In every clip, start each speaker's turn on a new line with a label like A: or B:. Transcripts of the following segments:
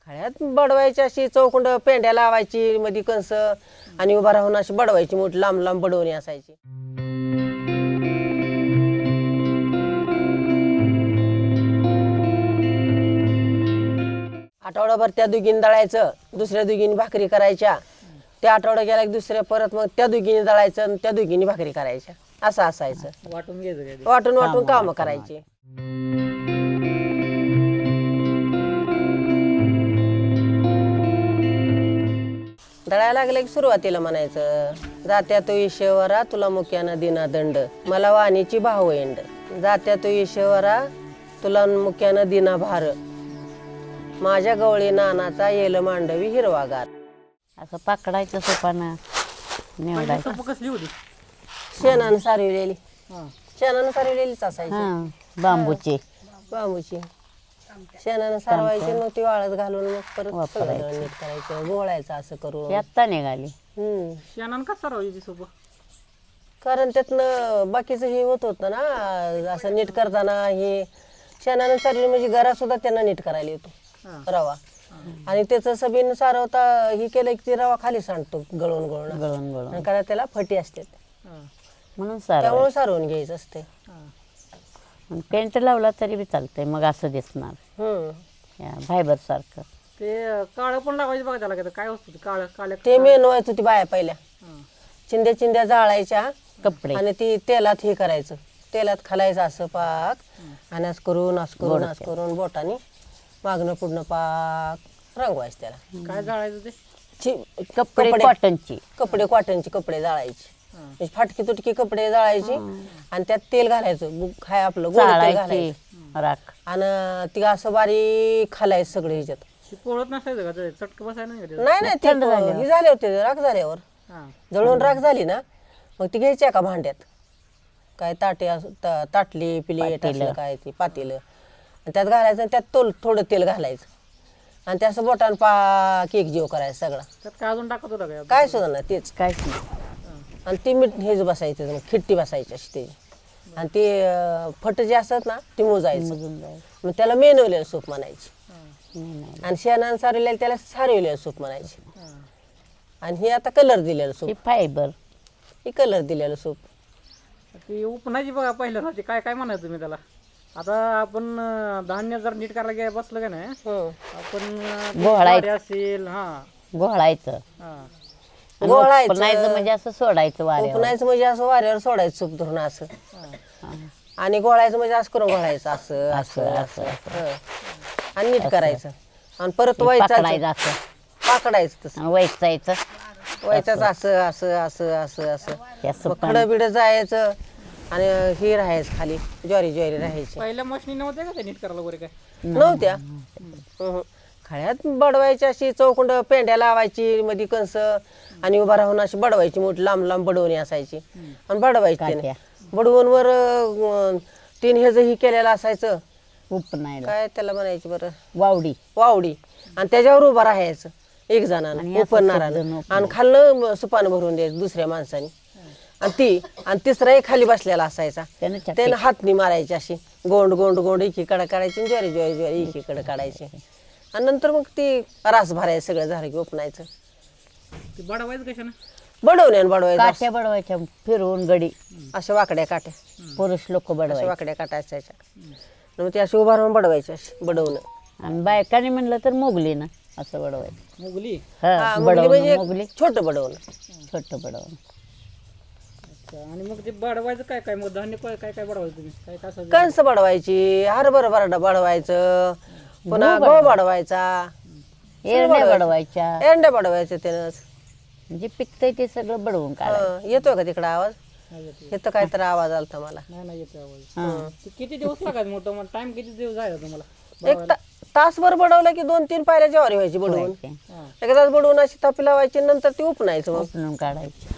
A: खळ्यात बडवायची अशी चौकुंड पेंड्या लावायची मध्ये कंस आणि उभा राहून अशी बडवायची मोठी लांब लांब बडवणी असायची. आठवडाभर त्या दुगीने दळायचं, दुसऱ्या दुगीने भाकरी करायच्या. त्या आठवडा गेला की दुसऱ्या परत मग त्या दुगीने दळायचं आणि त्या दुगीने भाकरी करायच्या. असं असायचं.
B: वाटून घ्यायचं
A: वाटून वाटून कामं करायची. दळायला लागलं की सुरुवातीला म्हणायचं, जात्या तो ईश्वरा तुला मुक्यानं दिना दंड, मला वाणीची भाव एंड. जात्या तो ईश्वरा तुला मुक्यानं दिना भार, माझ्या गवळी नानाचा येल मांडवी हिरवागार.
C: असं पकडायचं सोपानं निवडायचं.
B: सोपं कसली होती?
A: शेणानं सारविलेली,
B: हा.
A: शेणानं सारविलेलीच असायची.
C: हा बांबूची
A: बांबूची शेणानं सारवायची, मग ती वाळत घालून मग परत
C: वापरायची.
A: सगळं नीट करायचं, गोळायचं असं करून.
C: आत्ता निघाली.
B: शेणानं का सरावायची सोपं?
A: कारण त्यातनं बाकीचं हे होत होतं ना, असं नीट करताना हे शेणानं सारवली म्हणजे घरात सुद्धा त्यांना नीट करायला येतो रवा. आणि त्याचं सबीन सारवता हे केलं की ती रवा खाली सांडतो गळून गळून
C: गळून गळून
A: आणि कारण त्याला फटी असते,
C: म्हणून सारं
A: त्यामुळे सारवून घ्यायचं असते.
C: पेंट लावला तरी बी चालतंय, मग असं दिसणार या फायबर सारखं.
B: ते काळं पण लावायचं बघा त्याला. काय वस्तू काळं काळ्या
A: ते मेन व्हायचं ती बाया पहिल्या चिंध्या चिंध्या जाळायच्या
C: कपडे
A: आणि ती तेलात हे करायचं, तेलात खालायचं असं पाक आणि असं करून बोटाने मागणं पुढणं पाक रंगवायचं त्याला.
B: काय जाळायचं ते?
C: कपडे कॉटनची.
A: कपडे कॉटनचे कपडे जाळायचे, म्हणजे फाटकी तुटकी कपडे जाळायचे आणि त्यात तेल घालायचं, काय आपलं गोड तेल
C: चाळायची
A: घालायचं
C: राख
A: आणि ती असं बारीक खालायचं सगळं ह्याच्यात.
B: ती पोळत नसायचं का? ते चटक बसायला नाही का ते?
A: नाही ते हे झाले होते राख झाल्यावर,
B: हा.
A: जळून राख झाली ना मग ती घ्यायची एका भांड्यात, काय ताटली प्लेट असलं काय ती पातेलं, आणि त्यात घालायचं आणि त्यात थोडं तेल घालायचं आणि ते असं बोटान पाक एक जीव करायचं सगळा.
B: त्यात काय अजून टाकत होता काय?
A: काय सुद्धा नाही तेच.
C: काहीच नाही.
A: आणि ती मीठ हेच बसायचं, मग खिट्टी बसायची अशी त्याची, आणि ते फट जे असतात ना ते मोजायचं,
C: मजून जायचं.
A: मग त्याला मेनवलेलं सूप म्हणायची.
C: नाही.
A: आणि शेणानं सारवलेलं त्याला सारवलेलं सूप म्हणायचे. आणि हे आता कलर दिलेलं सूप,
C: हे फायबर.
A: हे कलर दिलेलं सूप.
B: ती उपनाची बघा पहिल्या होती. काय काय म्हणायचं तुम्ही त्याला? आता आपण धान्य जर नीट करायला गेलं बसलं का नाही, आपण
C: घोळायचं.
B: असेल
C: घोळायचं.
A: घोळायचं.
C: उपनायचं म्हणजे असं सोडायचं वाऱ्यावर.
A: उपनायचं म्हणजे असं वाऱ्यावर सोडायचं सूप धरून असं, आणि गोळायचं म्हणजे असं करून घोळायचं असं असं असं आणि नीट करायचं आणि परत
C: पकडायचं असं
A: पाकडायचं तसं
C: आणि वैचायचं.
A: व्हायचं असं असं असं असं असं.
C: असं
A: मग खडं बिडं जायचं आणि हे राहायचं खाली, ज्वारी ज्वारी राहायची.
B: पहिल्या मशनी नव्हत्या का ते नीट करायला वगैरे काय?
A: नव्हत्या. खळ्यात बडवायची अशी चौकुंड पेंड्या लावायची मध्ये कंस आणि उभा राहून अशी बडवायची मोठी लांब लांब बडवणी असायची आणि बडवायची त्याने. बडवून वर 3 ह्याच ही केलेलं असायचं,
C: उपनायला
A: काय त्याला म्हणायची बरं,
C: वावडी.
A: वावडी, आणि त्याच्यावर उभा राहायचं एक जणानं उपरणारानं, आणि खालनं सुपानं भरून द्यायचं दुसऱ्या माणसाने, आणि तिसरा एक खाली बसलेला असायचा, त्यानं हातनी मारायची अशी गोंड गोंड गोंड एकीकडे काढायची, ज्वारी ज्वारी ज्वारी एकीकडे काढायची, आणि नंतर मग ती रास भरायचं सगळं झालं की उपनायचं.
B: ते बडवायचं कशानं?
A: बडवण्यानं बडवायचं,
C: काठ्या बडवायच्या फिरवून गडी.
A: अशा वाकड्या काट्या,
C: पुरुष लोक
A: अशा
C: बडवायचे.
A: वाकड्या काट्या असायच्या, मग ते अशी उभा राहून बडवायची अशी बडवणं.
C: आणि बायकाने म्हणलं तर मोगली ना असं बडवायचं.
B: मुगली?
A: हा, मुगली
C: बडवणं
A: म्हणजे
C: मोगली.
A: छोटं बडवणं.
C: छोटं बडवणं.
B: आणि मग ते बडवायचं काय काय? मग धान्य काय काय बडवायचं तुम्ही? काय काय असं?
A: कणस बडवायची, हरभरा बरडा बडवायचं, पुन्हा गहू बडवायचा,
C: एरण्या बडवायच्या.
A: एंड्या बडवायचं त्यानंच.
C: म्हणजे पिकतंय ते सगळं बडवून काढायचं.
A: येतोय का तिकडं आवाज? येतो काहीतरी आवाज आलता मला.
B: नाही येतो आवाज. ते किती दिवस लागायचं मोठं? मग टाइम किती दिवस जायचा तुम्हाला?
A: एक तासभर बडवलं की 2-3 पायऱ्या ज्वारी व्हायची बडवून.
C: बडवायचे.
A: एक तास बडवून अशी थापी लावायची, नंतर ती उपनायचं मग.
C: उपणून काढायची.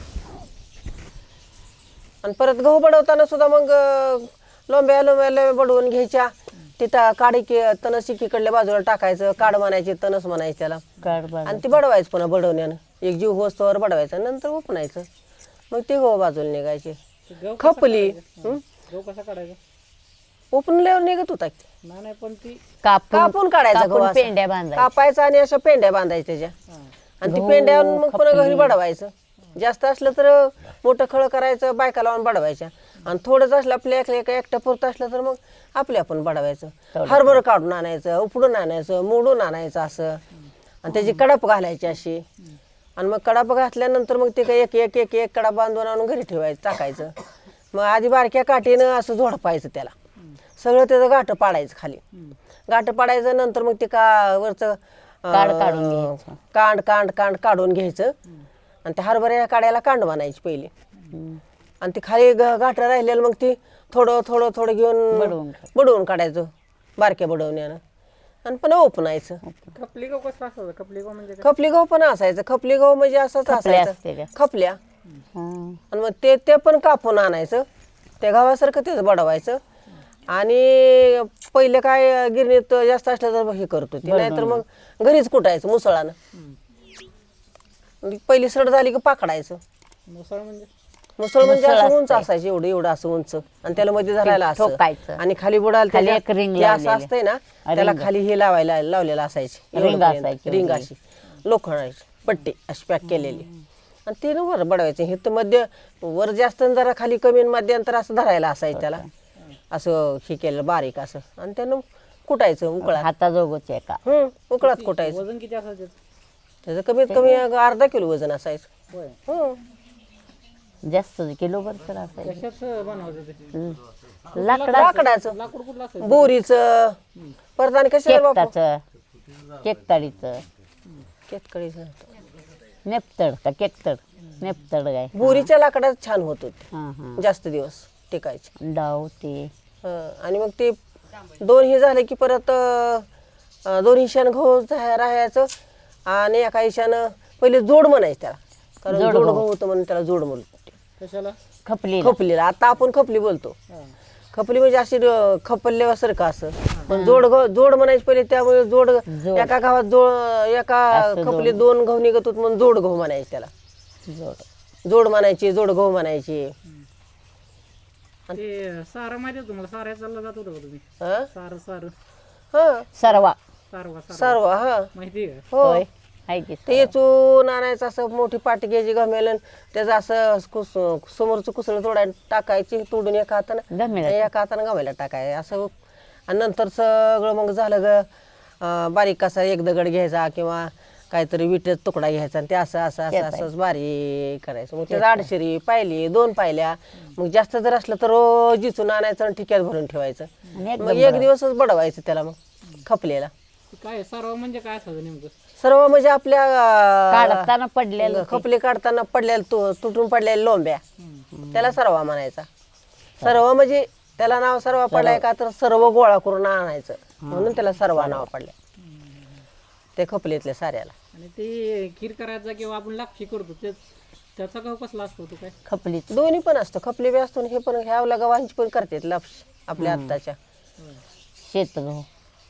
A: आणि परत गहू बडवताना सुद्धा मग लोंब्या लोंब्या बडवून घ्यायच्या, तिथं काडी तणस एकीकडल्या बाजूला टाकायचं, काड म्हणायची, तणस म्हणायची त्याला,
C: काढ
A: आणि ती बडवायचं पुन्हा बडवण्यानं एक जीव होस्तवर बडवायचं, नंतर उपनायचं, मग ती गहू बाजूला निघायची.
B: ते गहू
A: खपली
B: गहू कसा काढायचा?
A: उपनल्यावर निघत होता की.
B: नाही नाही, पण ती
A: कापून काढायचा गहू
C: कापून
A: असा.
C: पेंड्या बांधायच्या.
A: कापायचा आणि अशा पेंड्या बांधायच्या त्याच्या आणि ती पेंड्या मग पुन्हा घरी बडवायचं. जास्त असलं तर मोठं खळ करायचं, बायका लावून बडवायच्या. आणि थोडंच असलं आपल्या एकटं पुरतं असलं तर मग आपले आपण बडवायचं. हरभर काढून आणायचं, उपडून आणायचं, मोडून आणायचं असं. आणि त्याची कडप घालायची अशी. आणि मग कडप घातल्यानंतर मग ते काय एक एक एक एक कडा बांधून आणून घरी ठेवायचं, टाकायचं. मग आधी बारक्या काठीनं असं झोडपायचं त्याला. सगळं त्याचं गाठं पाडायचं खाली. गाठं पाडायचं, नंतर मग ते वरचं
C: काढ काढून घ्यायचं.
A: कांड काढून घ्यायचं. आणि त्या हरभऱ्या काढायला कांड बनायची पहिली. आणि ती खाली गाठं राहिलेलं मग ती थोडं घेऊन बडवून काढायचं बारक्या बडवण्यानं. आणि पण ओपनायचं.
B: खपली गहू कसं असायचं? खपली गहू म्हणजे काय?
A: खपली गहू पण असायचं. खपली गहू म्हणजे असंच
C: असते
A: असायचं,
C: त्या.
A: खपल्या.
C: हं.
A: आणि मग ते पण कापून आणायचं, त्या गव्हासारखं तेच बडवायचं. आणि पहिले काय गिरणीत जास्त असलं तर हे करत होती, नाहीतर मग घरीच कुटायचं मुसळानं. पहिली सड झाली की पाकडायचं.
B: मुसळ म्हणजे
A: मुसळ म्हणजे असं उंच असायचं, एवढं असं उंच. आणि त्याला मध्ये धरायला असं
C: ठोकायचं.
A: आणि खाली बुडायला
C: खाली
A: त्याच्या-
C: एक रिंग
A: ते असं
C: लावलेली.
A: असतंय ना, त्याला खाली हे लावलेलं असायची
C: रिंग असायची
A: रिंग
C: वगैरे.
A: अशी लोखंडाची पट्टी अशी पॅक केलेली. आणि ते ना वर बडवायचं. हे तर मध्य वर जास्त आणि जरा खाली कमी आणि मध्यांतर असं धरायला असायचं त्याला. असं हे केलं बारीक असं. आणि त्यानं कुटायचं उकळात.
C: हाताजोगच आहे का?
A: उकळात कुटायचं.
B: वजन किती असायचं त्याचं?
A: त्याचं कमीत कमी अर्धा किलो वजन असायचं.
B: होय.
C: जास्त किलोभर तर असायचं.
B: कशाच बनवायचं ते?
A: लाकडाचं,
B: लाकूड कुठलं असायचं?
A: बोरीचं, परत आणि कशाला बापू
C: केकताळीचं
A: केतकडीचं.
C: नेपतड का केकतड? नेपतड काय?
A: बोरीच्या लाकडात छान होत होते,
C: हां हां.
A: जास्त दिवस टिकायचे.
C: डाव ते
A: आणि मग ते दोन हे झाले की परत दोन हिशानं गहू राहायचं. आणि एका हिशानं पहिले जोड म्हणायचं त्याला, कारण जोड गहू होतं म्हणून त्याला जोड म्हणतो.
B: कशाला?
C: खपली
A: खपलीला आता आपण खपली बोलतो.
B: हा.
A: खपली म्हणजे अशी खपल्यासारखं असं. पण जोड म्हणायचं पहिले, त्यामुळे जोड एका गावात एका खपली दोन गहू निघत होत म्हणून जोड गहू म्हणायचे त्याला. जोड म्हणायचे, जोड गहू म्हणायचे.
B: ते सारं माहिती आहे तुम्हाला? साऱ्या चालला जात होतं का तुम्ही?
A: हं?
B: सारं
A: हं,
C: सरवा
B: सारवा
A: सर्व हा
B: माहिती आहे का?
A: हो.
C: होय आहे की
A: ते चून आणायचं, असं मोठी पाटी घ्यायची गमेलन, त्याचं असं समोरचं कुसळ तोडायला टाकायची, तोडून एका हातानं
C: गमेला
A: एका हातानं गमेला टाकाय असं. आणि नंतर सगळं मग झालं ग बारीक कसा एक दगड घ्यायचा किंवा काहीतरी विटेचा तुकडा घ्यायचा आणि ते असंच बारीक करायचं. मग त्याचं आडशिरी पायली, 2 पायल्या. मग जास्त जर असलं तर रोज जिचून आणायचं आणि ठिक्यात भरून ठेवायचं. मग एक दिवसच बडवायचं त्याला मग खपलेला.
B: ते काय सारवा म्हणजे काय असायचं नेमकं?
A: सर्व म्हणजे आपल्या
C: काढताना पडलेलं
A: खपली काढताना पडलेल्या तुटून पडलेल्या लोंब्या, त्याला सर्वा म्हणायचा. सर्व म्हणजे त्याला नाव सर्वा पडलाय का तर सर्व गोळा करून आणायचं म्हणून त्याला सर्वा नाव पडलं ते खपलीतल्या साऱ्याला.
B: आणि ते खीर करायचा किंवा आपण लापशी करतो त्याचा गहू कसला असतो तो? काय
C: खपलीच
A: दोन्ही पण असतं, खपली बी असतो आणि हे पण ह्या गव्हांची पण करतात लापशी आपल्या आत्ताच्या.
C: शेत गहू.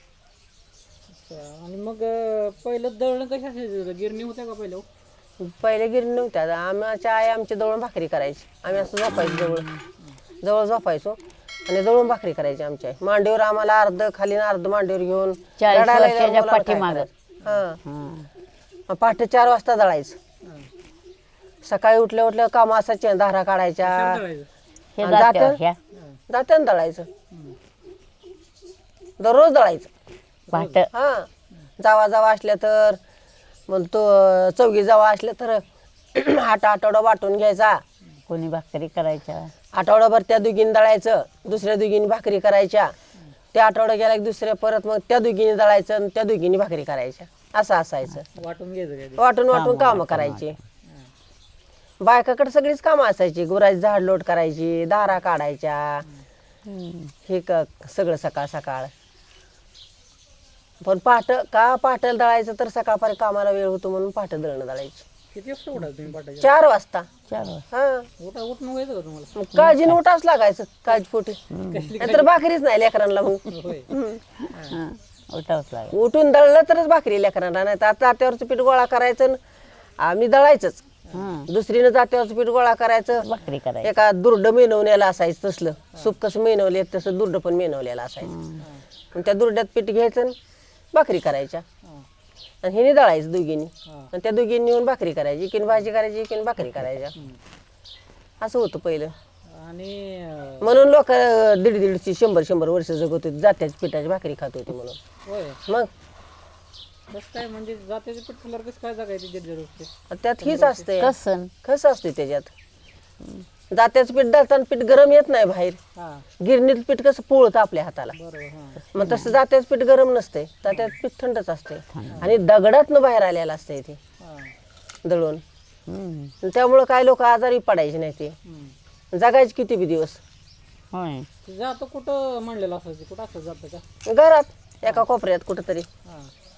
B: आणि मग पहिलं दळण कशा असायचं? गिरणी होत्या का पहिलं?
A: पहिले गिरणी नव्हत्या. आमच्या आई आमची दळून भाकरी करायची. आम्ही असं झोपायचो, जवळ झोपायचो आणि दळून भाकरी करायची आमची आई. मांडीवर आम्हाला अर्ध खाली अर्ध मांडीवर घेऊन
C: 40
A: रडायला
C: वर्षाच्या
A: लागल्यावर मुलाला काय
C: पाठीमागं.
A: करायचं? हां.
C: हां.
A: पहाटे 4 वाजता दळायचं. सकाळी उठल्या कामं असायचे, धारा काढायच्या.
B: दळायचं.
C: हे
A: आणि
C: जात्यावर ह्या
A: जात्यानं दळायचं, दररोज दळायचं.
C: पाट
A: हा जावा असल्या तर मग तो चौघी जावा असल्या तर आठवडा वाटून घ्यायचा.
C: कोणी भाकरी करायच्या.
A: आठवडाभर त्या दुगीने दळायचं, दुसऱ्या दुगीने भाकरी करायच्या. त्या आठवडा गेला की दुसऱ्या परत मग त्या दुगीने दळायचं आणि त्या दुगीने भाकरी करायच्या. असं असायचं.
B: वाटून घ्यायचं काय ते?
A: वाटून कामं करायची. बायकाकडे सगळीच कामं असायची. गुराची झाड लोट करायची, धारा काढायच्या, हे सगळं सकाळ सकाळ. पण पहाटेला दळायचं तर सकाळपर्यंत कामाला वेळ होतो म्हणून पहाटे दळणं दळायची.
B: किती वाजता उठायचं तुम्ही पाठाच्या?
A: 4 वाजता.
C: 4 वाजता.
A: हा
B: उठून व्हायचं का तुम्हाला?
A: मग काळजीने उठाच लागायचं, काळजीपोटी. नाहीतर भाकरीच नाही लेकरांना. मग
B: होय.
C: हां उठावंच लागेल.
A: उठून दळलं तरच भाकरी लेकरांना, नाही तर आता तात्यावरचं पीठ गोळा करायचं आणि आम्ही दळायचंच. दुसरीनं जात्यावरचं पीठ गोळा करायचं,
C: भाकरी करायची.
A: एका दुर्ड मेनवलेलं असायचं तसलं सूप कसं मेनवले तसं दुर्ड पण मेनवलेलं असायचं. आणि त्या दुर्ड्यात पीठ घ्यायचं आणि भाकरी करायच्या आणि हिने दळायचं दोघींनी आणि त्या दोघींनी येऊन भाकरी करायची, एकीने भाजी करायची, एकीने भाकरी करायच्या. असं होतं पहिलं.
B: आणि
A: म्हणून लोक 150-150 100-100 वर्ष जगत होते, जात्याच्या पिठाची भाकरी खात होती म्हणून.
B: होय
A: मग
B: कसं काय म्हणजे जात्याचे पीठ खाल्ल्यावर कसं काय जगायचे दीड
A: त्यात हीच असते,
C: कसन
A: कसं असते त्याच्यात. जात्याचं पीठ दळताना पीठ गरम येत नाही बाहेर.
B: हा
A: गिरणीत पीठ कसं पोळतं आपल्या हाताला,
B: बरोबर. हा
A: मग तसं जात्याचं पीठ गरम नसते, जात्याचं पीठ थंडच असते आणि दगडातनं बाहेर आलेलं असते ते
B: हा
A: दळून. त्यामुळं काय लोक आजारी पडायचे नाही, ते जगायचे किती बी दिवस.
C: होय.
B: ते जातं कुठं म्हणलेलं असायचं, कुठं असं जातं का?
A: घरात एका कोपऱ्यात कुठंतरी,
B: हा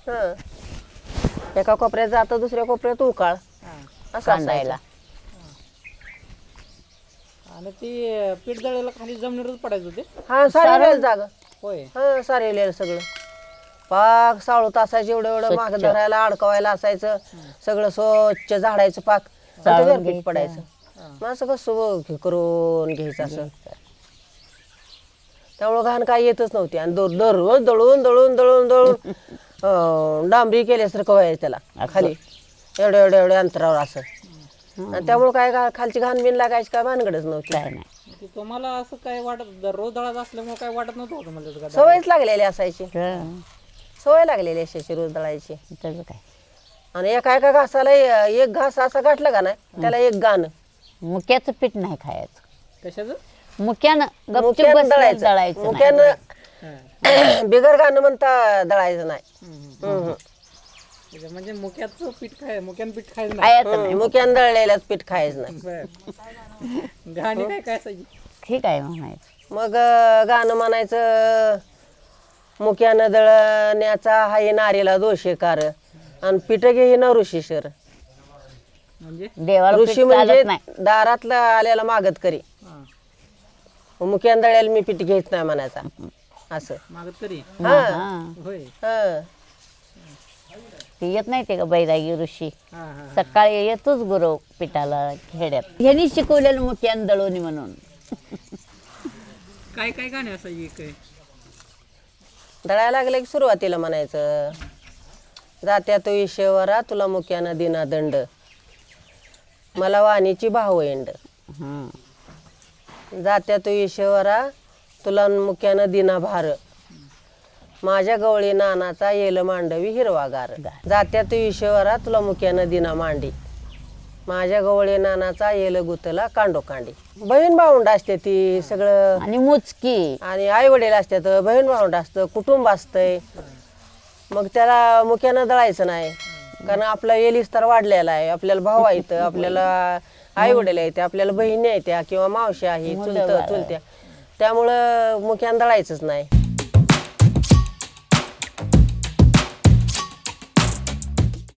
A: हं एका कोपऱ्यात जातं, दुसऱ्या कोपऱ्यात उकाळ,
B: हा
A: असं
C: कांदायला.
A: असायचं.
B: आणि ती पीठ दळायला खाली जमिनीवरच पडायचं ते.
A: हा सारेलेलं जागा,
B: होय
A: हा सारेलेलं सगळं पाक साळूत असायचं, एवढं एवढं माग धरायला अडकवायला असायचं, सगळं स्वच्छ झाडायचं पाक आणि त्याच्यावर पीठ पडायचं. मग असं कसं हे करून घ्यायचं असं. त्यामुळं घाण काय येतच नव्हती आणि दररोज दळून दळून दळून दळून डांबरी केल्यासारखं व्हायचं त्याला खाली एवढ्या एवढ्या एवढ्या अंतरावर असं. आणि त्यामुळं काय खालची घाण बिन लागायची काय भानगडच नव्हती.
C: काय नाही.
B: ते तुम्हाला असं काय वाटत, दररोज दळायचं असल्यामुळे काय वाटत नव्हतं होतं म्हणजे का?
A: सवयच लागलेली असायची,
C: हं.
A: सवय लागलेली असायची रोज दळायची.
C: त्याचं काय.
A: आणि एका एका घासाला एक घास असा गाठला का नाही त्याला एक गाणं.
C: मुक्याचं पीठ नाही खायचं.
B: कशाचं?
C: मुक्यानं गपचूप
A: मुक्यानं
C: बसलं
A: दळायचं,
C: दळायचं नाही.
A: मुक्यानं बिगर गाणं म्हणता दळायचं नाही.
B: म्हणजे मुक्याचं पीठ मुक्यानं पीठ खायचं नाही.
C: खायचं नाही.
A: मुक्यानं दळलेल्याच पीठ खायचं नाही.
B: बरं. गाणी काय काय असायची?
C: ठीक आहे म्हणायचं.
A: मग गाणं म्हणायचं, मुक्यानं दळण्याचा हाय नारीला दोषेकार आणि पीठ घे न ऋषीशर.
B: म्हणजे
C: देवाला पीठ
A: ऋषी म्हणजे
C: चालत नाही.
A: दारातला आल्याला मागत करी,
B: हा
A: मुक्यानं दळ्याला मी पीठ घ्यायच नाही म्हणायचा असं.
B: मागत तरी.
A: हा
C: हां.
B: होय.
A: हा
C: ते येत नाही ते का बैरागी ऋषी.
B: हा हा
C: सकाळी येतोच गुरव पिठाला खेड्यात. ह्यांनी शिकवलेलं मुक्यान दळवणी म्हणून.
B: काय काय गाणी असायची काय?
A: दळायला लागलं की सुरुवातीला म्हणायचं, जात्या तो ईश्वरा तुला मुक्यानं दिना दंड, मला वाणीची भावंड.
C: हं.
A: जात्या तो ईश्वरा तुला मुक्यानं दिना भार, माझ्या गवळी नानाचा येल मांडवी हिरवागार. जात्या तो ईश्वरा तुला मुक्यानं दिना मांडी, माझ्या गवळी नानाचा येल गुतला कांडोकांडी. बहीण भावंड असते ती सगळं,
C: आणि मुचकी.
A: आणि आई वडील असतात, बहीण भावंड असतं, कुटुंब असतंय. मग त्याला मुक्यानं दळायचं नाही, कारण आपला विस्तार वाढलेला आहे. आपल्याला भाऊ आहेत, आपल्याला आई वडील आहेत, आपल्याला बहिणी आहेत किंवा मावशी आहे, चुलत्या, त्यामुळं मुक्यानं दळायचंच नाही.